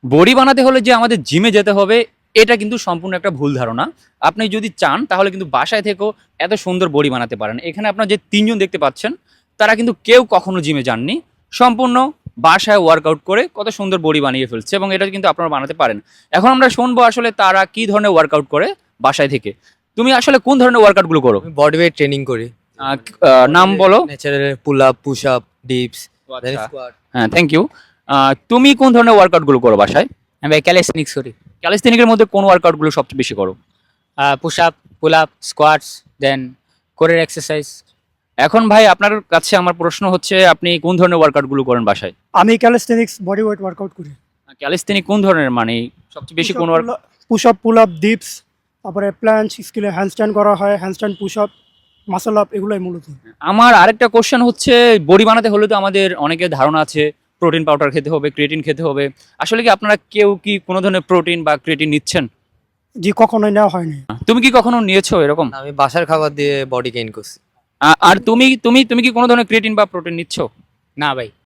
Body বানাতে হলে যে আমাদের জিমে যেতে হবে এটা কিন্তু সম্পূর্ণ একটা ভুল ধারণা। আপনি যদি চান তাহলে কিন্তু বাসায় থেকেও এত সুন্দর বডি বানাতে পারেন। এখানে আপনার যে ৩ জন দেখতে পাচ্ছেন তারা কিন্তু কেউ কখনো জিমে যাননি। সম্পূর্ণ বাসায় ওয়ার্কআউট করে কত সুন্দর বডি বানিয়ে ফেলছে এবং এটা কিন্তু আপনারা বানাতে পারেন। এখন আমরা শুনবো আসলে তারা কি ধরনের ওয়ার্কআউট করে বাসায় থেকে। তুমি আসলে কোন ধরনের ওয়ার্কআউটগুলো করো? আমি বডি ওয়েট ট্রেনিং করি। নাম বলো। Natural pull up, push up, dips, then আচ্ছা। স্কোয়াট। হ্যাঁ, থ্যাংক ইউ। তুমি কোন ধরনের ওয়ার্কআউটগুলো করো বাসায়? আমি ভাই ক্যালিস্থেনিক্স করি। ক্যালিস্থেনিকের মধ্যে কোন ওয়ার্কআউটগুলো সবচেয়ে বেশি করো? Push up, pull up, squats, then কোরের এক্সারসাইজ। এখন ভাই আপনার কাছে আমার প্রশ্ন হচ্ছে আপনি কোন ধরনের ওয়ার্কআউটগুলো করেন বাসায়? আমি ক্যালিস্থেনিক্স বডি ওয়েট ওয়ার্কআউট করি। ক্যালিস্থেনিক কোন ধরনের মানে সবচেয়ে বেশি কোন work? Push up, pull up, dips, তারপরে প্ল্যাঞ্চ, স্কিলে হ্যান্ডস্ট্যান্ড করা হয়, handstand, push up, muscle up, এগুলোই মূলত। আমার আরেকটা কোশ্চেন হচ্ছে বডি বানাতে হলে তো আমাদের অনেকের ধারণা আছে প্রোটিন পাউডার খেতে হবে, ক্রিয়েটিন খেতে হবে। আসলে কি আপনারা কেউ কি কোনো ধরনের প্রোটিন বা ক্রিয়েটিন নিচ্ছেন? জি, কখনোই নেওয়া হয়নি। তুমি কি কখনো নিয়েছো এরকম? আমি বাসার খাবার দিয়ে বডি গেইন করছি। আর তুমি তুমি তুমি কি কোনো ধরনের ক্রিয়েটিন বা প্রোটিন নিচ্ছ? না ভাই।